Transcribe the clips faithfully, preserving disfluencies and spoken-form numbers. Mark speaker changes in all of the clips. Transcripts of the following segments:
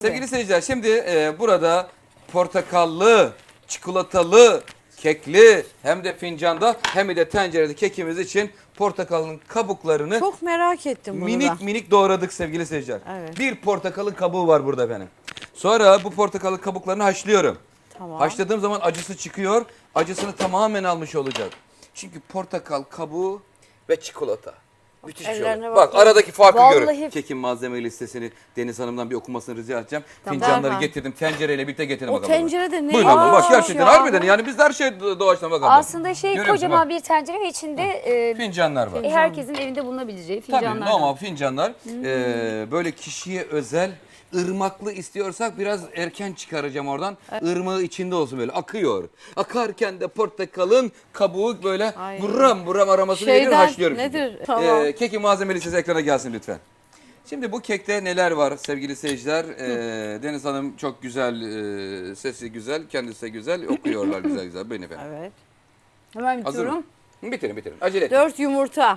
Speaker 1: Sevgili seyirciler, şimdi e, burada portakallı, çikolatalı, kekli hem de fincanda hem de tencerede kekimiz için portakalın kabuklarını
Speaker 2: Çok merak ettim bunu
Speaker 1: minik
Speaker 2: da.
Speaker 1: minik doğradık sevgili seyirciler.
Speaker 2: Evet.
Speaker 1: Bir portakalın kabuğu var burada benim. Sonra bu portakalın kabuklarını haşlıyorum.
Speaker 2: Tamam.
Speaker 1: Haşladığım zaman acısı çıkıyor. Acısını tamamen almış olacak. Çünkü portakal kabuğu ve çikolata. Müthiş bir şey
Speaker 2: Ellerine
Speaker 1: olur. Bak
Speaker 2: bakalım.
Speaker 1: aradaki farkı görün.
Speaker 3: Vallahi-
Speaker 1: Kekin malzeme listesini Deniz Hanım'dan bir okumasını rica edeceğim.
Speaker 2: Tamam.
Speaker 1: Fincanları
Speaker 2: Derhal.
Speaker 1: getirdim. Tencereyle birlikte getirdim
Speaker 2: O
Speaker 1: bakalım.
Speaker 2: tencerede ne?
Speaker 1: Buyurun abla. Bak
Speaker 2: Aa,
Speaker 1: gerçekten
Speaker 2: ya.
Speaker 1: harbiden yani biz de her şey doğaçlama bakalım.
Speaker 3: Aslında şey
Speaker 1: Görüyor musun?
Speaker 3: kocaman
Speaker 1: Bak,
Speaker 3: bir tencere ve içinde e,
Speaker 1: fincanlar var.
Speaker 3: e, herkesin evinde bulunabileceği fincanlar.
Speaker 1: Tabii normal fincanlar. Ee, böyle kişiye özel ırmaklı istiyorsak biraz erken çıkaracağım oradan. Irmağı içinde olsun böyle akıyor. Akarken de portakalın kabuğu böyle
Speaker 2: Ay.
Speaker 1: buram buram aramasını veriyor,
Speaker 2: Şeyden
Speaker 1: haşlıyorum. şimdi.
Speaker 2: nedir? Tamam.
Speaker 1: Ee, kekin malzeme listesi ekrana gelsin lütfen. Şimdi bu kekte neler var sevgili seyirciler? Ee, Deniz Hanım çok güzel, e, sesi güzel, kendisi de güzel, okuyorlar güzel güzel. Buyurun efendim.
Speaker 2: Evet.
Speaker 3: Hemen
Speaker 1: Hazır mı?
Speaker 3: bitiyorum.
Speaker 1: Bitirin bitirin. Acele etmeyin.
Speaker 2: Dört yumurta.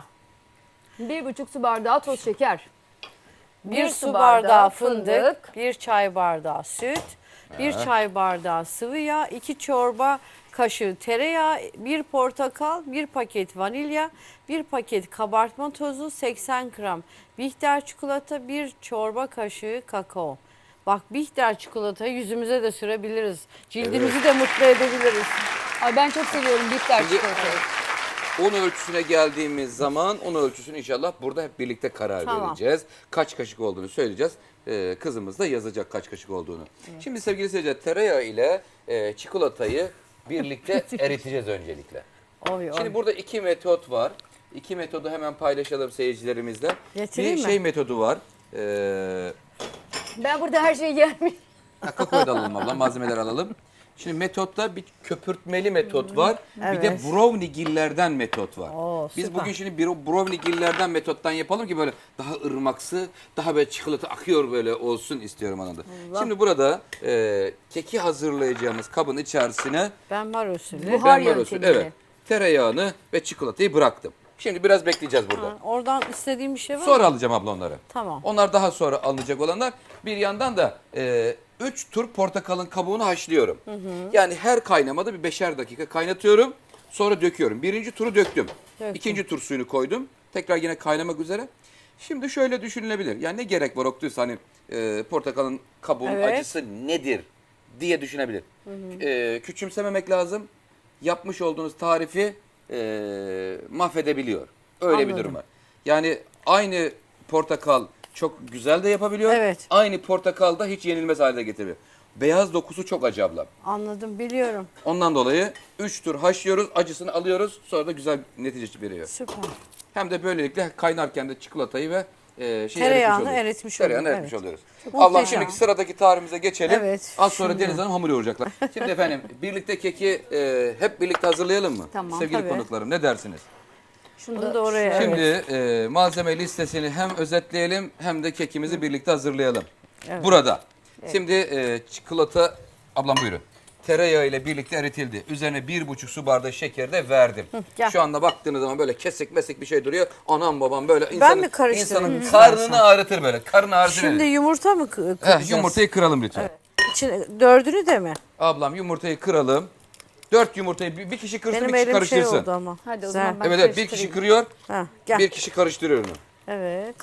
Speaker 3: Bir buçuk su bardağı toz şeker.
Speaker 2: Bir su bardağı fındık. Bir çay bardağı süt. Bir çay bardağı sıvı yağ. iki çorba kaşığı tereyağı. Bir portakal. Bir paket vanilya. Bir paket kabartma tozu. seksen gram Bihter çikolata. Bir çorba kaşığı kakao. Bak Bihter çikolatayı yüzümüze de sürebiliriz. Cildimizi de mutlu edebiliriz.
Speaker 3: Ay ben çok seviyorum bitter
Speaker 1: Şimdi-
Speaker 3: çikolatayı.
Speaker 1: Un ölçüsüne geldiğimiz zaman un ölçüsünü inşallah burada hep birlikte karar
Speaker 2: Tamam.
Speaker 1: vereceğiz. Kaç kaşık olduğunu söyleyeceğiz. Ee, kızımız da yazacak kaç kaşık olduğunu. Şimdi sevgili seyirciler, tereyağı ile e, çikolatayı birlikte eriteceğiz öncelikle.
Speaker 2: Oy, oy.
Speaker 1: Şimdi burada iki metot var. İki metodu hemen paylaşalım seyircilerimizle.
Speaker 2: Getireyim
Speaker 1: Bir
Speaker 2: mi?
Speaker 1: şey metodu var. Ee,
Speaker 3: Ben burada her şeyi yerim.
Speaker 1: Kakaoyu da alalım abla, malzemeler alalım. Şimdi metotta bir köpürtmeli metot var. Bir de
Speaker 2: Evet.
Speaker 1: browniegillerden metot var.
Speaker 2: Oo,
Speaker 1: Biz
Speaker 2: süper.
Speaker 1: bugün şimdi bir browniegillerden metottan yapalım ki böyle daha ırmaksı, daha böyle çikolata akıyor böyle olsun istiyorum anında. Şimdi burada e, keki hazırlayacağımız kabın içerisine
Speaker 2: Ben var usulü.
Speaker 3: Buhar
Speaker 1: benmar usulü,
Speaker 3: yöntemiyle.
Speaker 1: evet, tereyağını ve çikolatayı bıraktım. Şimdi biraz bekleyeceğiz burada.
Speaker 2: Ha, oradan istediğim bir şey var mı?
Speaker 1: Sonra alacağım abla onları.
Speaker 2: Tamam.
Speaker 1: Onlar daha sonra alınacak olanlar. Bir yandan da e, üç tur portakalın kabuğunu haşlıyorum. Yani her kaynamada bir beşer dakika kaynatıyorum. Sonra döküyorum. Birinci turu döktüm.
Speaker 2: Döktüm.
Speaker 1: İkinci tur suyunu koydum. Tekrar yine kaynamak üzere. Şimdi şöyle düşünülebilir. Yani ne gerek var Oktuysa hani e, portakalın kabuğunun
Speaker 2: Evet.
Speaker 1: acısı nedir diye düşünebilir. E, küçümsememek lazım. Yapmış olduğunuz tarifi e, mahvedebiliyor. Öyle bir
Speaker 2: Anladım.
Speaker 1: durum var. Yani aynı portakal çok güzel de yapabiliyor.
Speaker 2: Evet.
Speaker 1: Aynı portakal da hiç yenilmez hale getiriyor. Beyaz dokusu çok acı ablam.
Speaker 2: Anladım, biliyorum.
Speaker 1: Ondan dolayı üç tur haşlıyoruz, acısını alıyoruz. Sonra da güzel netice veriyor.
Speaker 2: Süper.
Speaker 1: Hem de böylelikle kaynarken de çikolatayı ve e, şeyi
Speaker 2: Tereyağını
Speaker 1: eritmiş oluyoruz.
Speaker 2: eritmiş
Speaker 1: Tereyağını
Speaker 2: oluyoruz,
Speaker 1: eritmiş
Speaker 2: evet.
Speaker 1: oluyoruz.
Speaker 2: Çok
Speaker 1: Ablam
Speaker 2: muhteşem.
Speaker 1: şimdiki sıradaki tarifimize geçelim.
Speaker 2: Evet,
Speaker 1: Az sonra
Speaker 2: şimdi.
Speaker 1: Deniz Hanım hamur yoğuracaklar. Şimdi efendim birlikte keki e, hep birlikte hazırlayalım mı?
Speaker 3: Tamam,
Speaker 1: Sevgili
Speaker 2: tabii.
Speaker 1: konuklarım ne dersiniz?
Speaker 3: Şunu
Speaker 2: Bunu da oraya.
Speaker 1: Şimdi
Speaker 2: evet.
Speaker 1: e, malzeme listesini hem özetleyelim hem de kekimizi birlikte hazırlayalım. Burada. Şimdi e, çikolata, ablam buyurun. Tereyağı ile birlikte eritildi. Üzerine bir buçuk su bardağı şeker de verdim.
Speaker 2: gel.
Speaker 1: Şu anda baktığınız zaman böyle kesik mesik bir şey duruyor. Anam babam böyle insanın,
Speaker 2: mi karıştırayım
Speaker 1: insanın
Speaker 2: istersen?
Speaker 1: karnını ağrıtır böyle. Karnı ağrıtır.
Speaker 2: Şimdi
Speaker 1: verir.
Speaker 2: yumurta mı kı- kıracağız?
Speaker 1: Heh, yumurtayı kıralım lütfen.
Speaker 2: İçine, dördünü de mi?
Speaker 1: Ablam yumurtayı kıralım. Dört yumurtayı bir, bir kişi kırsın,
Speaker 2: Benim
Speaker 1: bir kişi
Speaker 2: elim şey
Speaker 1: karıştırsın.
Speaker 2: oldu ama.
Speaker 3: Hadi o
Speaker 2: Güzel.
Speaker 3: zaman ben
Speaker 1: Evet evet bir kişi kırıyor,
Speaker 2: Ha, gel.
Speaker 1: bir kişi karıştırıyor onu.
Speaker 2: Evet.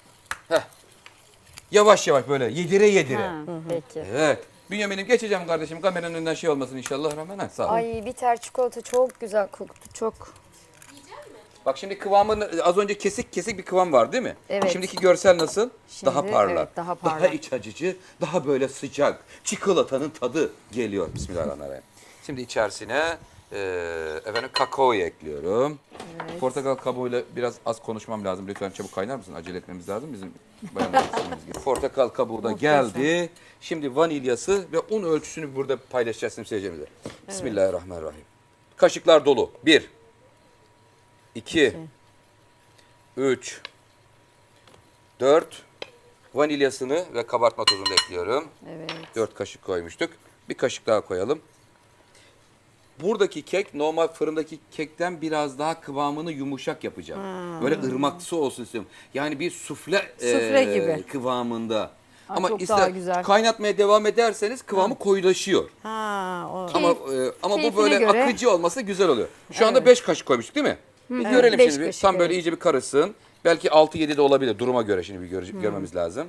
Speaker 1: Yavaş yavaş böyle yedire yedire.
Speaker 3: Ha, peki.
Speaker 1: Evet. Bünyamin'im geçeceğim kardeşim. Kameranın önünden şey olmasın inşallah. Rahman ha, sağ ol.
Speaker 3: Ay bitter çikolata çok güzel koktu çok.
Speaker 1: Bak şimdi kıvamın az önce kesik kesik bir kıvam var değil mi?
Speaker 3: Evet.
Speaker 1: Şimdiki görsel nasıl?
Speaker 3: Şimdi,
Speaker 1: daha parlak.
Speaker 3: evet, daha
Speaker 1: Daha
Speaker 3: parlak.
Speaker 1: iç açıcı, daha böyle sıcak. Çikolatanın tadı geliyor. Bismillahirrahmanirrahim. Şimdi içerisine e, efendim kakaoyu ekliyorum. Portakal kabuğuyla biraz az konuşmam lazım. Lütfen çabuk kaynar mısın? Acele etmemiz lazım. Bizim bayanlarımız gibi. Portakal kabuğu da geldi. Şimdi vanilyası ve un ölçüsünü burada paylaşacağız seyircilerimize. Bismillahirrahmanirrahim. Kaşıklar dolu. Bir. iki. Üç. Dört. Vanilyasını ve kabartma tozunu da ekliyorum.
Speaker 2: Evet.
Speaker 1: Dört kaşık koymuştuk. Bir kaşık daha koyalım. Buradaki kek normal fırındaki kekten biraz daha kıvamını yumuşak yapacağım. Böyle ırmaksı olsun istiyorum. Yani bir sufle,
Speaker 2: Sufle
Speaker 1: e,
Speaker 2: gibi.
Speaker 1: kıvamında. Ama
Speaker 3: çok
Speaker 1: ister
Speaker 3: daha güzel.
Speaker 1: kaynatmaya devam ederseniz kıvamı koyulaşıyor.
Speaker 2: Ha, o.
Speaker 1: Ama e, ama bu
Speaker 3: keyfine
Speaker 1: böyle
Speaker 3: göre.
Speaker 1: akıcı olması güzel oluyor. Şu anda beş kaşık koymuştuk değil mi? Bir görelim
Speaker 3: beş
Speaker 1: şimdi. Bir.
Speaker 3: kaşık,
Speaker 1: Tam böyle
Speaker 3: evet.
Speaker 1: iyice bir karışsın. Belki altı yedi de olabilir duruma göre şimdi bir göre- görmemiz lazım.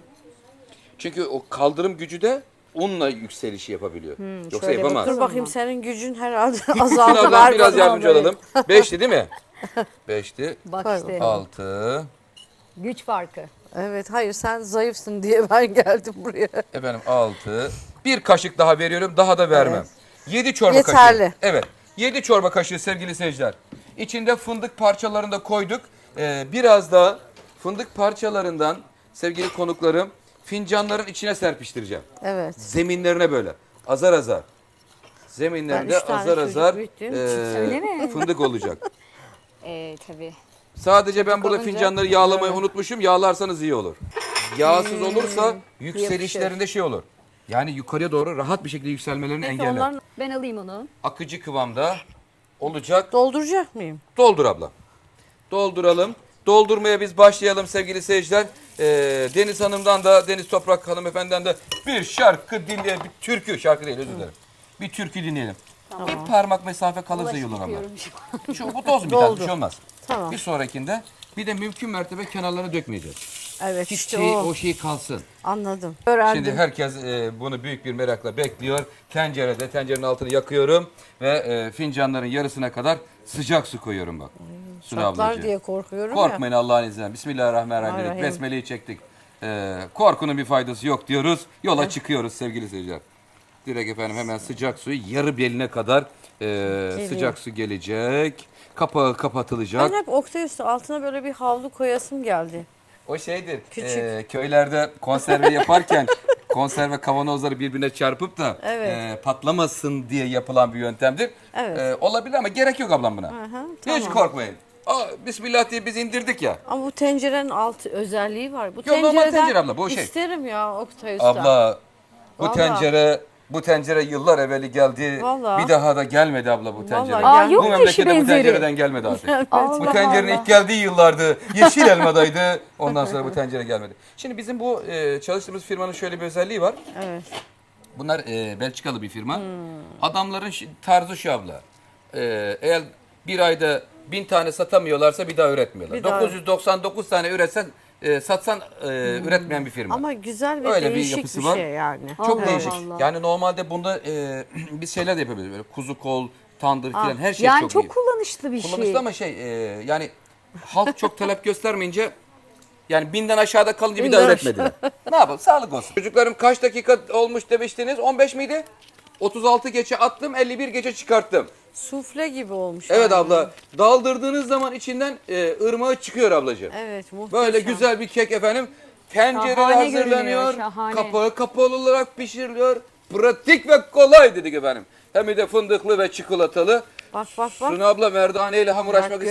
Speaker 1: Çünkü o kaldırım gücü de unla yükselişi yapabiliyor. Yoksa
Speaker 3: şöyle
Speaker 1: yapamaz.
Speaker 2: Dur
Speaker 3: bakalım.
Speaker 2: bakayım senin gücün herhalde
Speaker 1: Şimdi
Speaker 2: azaldı.
Speaker 1: ablam
Speaker 2: Ver
Speaker 1: biraz
Speaker 2: bana
Speaker 1: yardımcı
Speaker 2: böyle.
Speaker 1: olalım. Beşti değil mi? Beşti.
Speaker 3: Bak
Speaker 2: Koy
Speaker 3: işte
Speaker 1: Altı.
Speaker 3: güç farkı.
Speaker 2: Evet, hayır sen zayıfsın diye ben geldim buraya.
Speaker 1: Efendim altı. Bir kaşık daha veriyorum. Daha da vermem. Yedi çorba
Speaker 2: Yeterli.
Speaker 1: kaşığı. Evet. Yedi çorba kaşığı sevgili seyirciler. İçinde fındık parçalarını da koyduk. Ee, biraz da fındık parçalarından sevgili konuklarım fincanların içine serpiştireceğim.
Speaker 2: Evet.
Speaker 1: Zeminlerine böyle. Azar azar.
Speaker 2: Ben
Speaker 1: Zeminlerinde
Speaker 2: üç tane
Speaker 1: azar
Speaker 2: çocuk
Speaker 1: azar
Speaker 2: büyüttüğüm
Speaker 1: ee,
Speaker 2: için
Speaker 3: öyle mi?
Speaker 1: fındık olacak.
Speaker 3: Ee, tabii.
Speaker 1: Sadece ben burada
Speaker 2: olunca-
Speaker 1: fincanları yağlamayı unutmuşum. Yağlarsanız iyi olur. Yağsız olursa yükselişlerinde
Speaker 3: yapışır.
Speaker 1: şey olur. Yani yukarıya doğru rahat bir şekilde yükselmelerini
Speaker 2: Peki
Speaker 1: engeller.
Speaker 2: onların
Speaker 3: Ben alayım onu.
Speaker 1: Akıcı kıvamda olacak.
Speaker 2: dolduracak mıyım?
Speaker 1: Doldur abla. Dolduralım. Doldurmaya biz başlayalım sevgili seyirciler. Ee, Deniz Hanım'dan da Deniz Toprak hanımefendiden de bir şarkı dinleyelim. Bir türkü, şarkı değil özür dilerim. Bir türkü dinleyelim. Bir parmak mesafe kalırsa iyi olur abla.
Speaker 3: Yapıyorum şu an.
Speaker 1: Şu, bu toz bir tane bir
Speaker 2: Doldu.
Speaker 1: şey olmaz.
Speaker 2: Tamam.
Speaker 1: Bir sonrakinde bir de mümkün mertebe kenarlarına dökmeyeceğiz.
Speaker 2: Evet
Speaker 1: Hiç
Speaker 2: işte
Speaker 1: şey,
Speaker 2: o.
Speaker 1: o şey kalsın.
Speaker 2: Anladım. Öğrendim.
Speaker 1: Şimdi herkes e, bunu büyük bir merakla bekliyor. Tencerede, tencerenin altını yakıyorum ve e, fincanların yarısına kadar sıcak su koyuyorum bak. Sunu
Speaker 2: Çatlar
Speaker 1: ablacığım.
Speaker 2: diye korkuyorum ya.
Speaker 1: Korkmayın Allah'ın izniyle. Bismillahirrahmanirrahim dedik.
Speaker 2: Rahim.
Speaker 1: Besmele'yi çektik. E, korkunun bir faydası yok diyoruz. Yola çıkıyoruz sevgili seyirciler. Direkt efendim hemen sıcak suyu yarı beline kadar e, sıcak su gelecek. Kapağı kapatılacak.
Speaker 2: Ben hep Oktay Usta altına böyle bir havlu koyasım geldi.
Speaker 1: O şeydir.
Speaker 2: Küçük.
Speaker 1: e, köylerde konserve yaparken konserve kavanozları birbirine çarpıp da
Speaker 2: Evet.
Speaker 1: e, patlamasın diye yapılan bir yöntemdir.
Speaker 2: Evet.
Speaker 1: E, olabilir ama gerek yok ablam buna.
Speaker 2: Aha,
Speaker 1: Hiç
Speaker 2: tamam.
Speaker 1: korkmayın. Aa, Bismillah diye biz indirdik ya.
Speaker 2: Ama bu tencerenin alt özelliği var. Bu
Speaker 1: Yok, normal
Speaker 2: tencereden
Speaker 1: tencere abla, bu şey.
Speaker 2: isterim ya Oktay Usta.
Speaker 1: Abla bu
Speaker 2: Vallahi.
Speaker 1: tencere bu tencere yıllar evveli geldi.
Speaker 2: Vallahi.
Speaker 1: Bir daha da gelmedi abla bu tencere.
Speaker 2: Vallahi
Speaker 3: Aa,
Speaker 2: gel-
Speaker 3: yok
Speaker 1: Bu
Speaker 3: mu eşi
Speaker 1: memlekete bu
Speaker 3: benzeri?
Speaker 1: tencereden gelmedi artık. Bu
Speaker 3: Allah
Speaker 1: tencerenin
Speaker 3: Allah.
Speaker 1: ilk geldiği yıllardı. Yeşil elmadaydı. Ondan sonra bu tencere gelmedi. Şimdi bizim bu e, çalıştığımız firmanın şöyle bir özelliği var.
Speaker 2: Evet.
Speaker 1: Bunlar e, Belçikalı bir firma. Adamların şi- tarzı şu abla. E, eğer bir ayda bin tane satamıyorlarsa bir daha üretmiyorlar.
Speaker 2: Bir daha-
Speaker 1: dokuz yüz doksan dokuz tane üretsen e, satsan e, üretmeyen bir firma.
Speaker 2: Ama güzel ve
Speaker 1: Öyle bir
Speaker 2: değişik
Speaker 1: yapısı
Speaker 2: bir
Speaker 1: var.
Speaker 2: şey yani.
Speaker 1: Çok
Speaker 3: Allah
Speaker 1: değişik.
Speaker 3: Allah.
Speaker 1: Yani normalde bunda e, biz şeyler de yapabiliriz. Böyle kuzu kol, tandır falan her şey
Speaker 3: Yani
Speaker 1: çok,
Speaker 3: çok
Speaker 1: iyi.
Speaker 3: kullanışlı bir şey.
Speaker 1: Kullanışlı ama şey e, yani halk çok talep göstermeyince yani binden aşağıda kalınca bir daha
Speaker 2: Binden
Speaker 1: üretmediler. Ne yapalım? Sağlık olsun. Çocuklarım kaç dakika olmuş demiştiniz? on beş miydi? otuz altı geçe attım, elli bir geçe çıkarttım.
Speaker 2: Sufle gibi olmuş.
Speaker 1: Evet
Speaker 2: yani.
Speaker 1: abla. Daldırdığınız zaman içinden e, ırmağı çıkıyor ablacığım.
Speaker 2: Evet muhteşem.
Speaker 1: Böyle güzel bir kek efendim. Tencerede
Speaker 3: Şahane
Speaker 1: hazırlanıyor.
Speaker 3: görünüyor, şahane.
Speaker 1: Kapağı kapalı olarak pişiriliyor. Pratik ve kolay dedik efendim. Hem de fındıklı ve çikolatalı.
Speaker 2: Bak bak bak.
Speaker 1: Sunu abla merdaneyle hamur
Speaker 2: Bak,
Speaker 1: açmak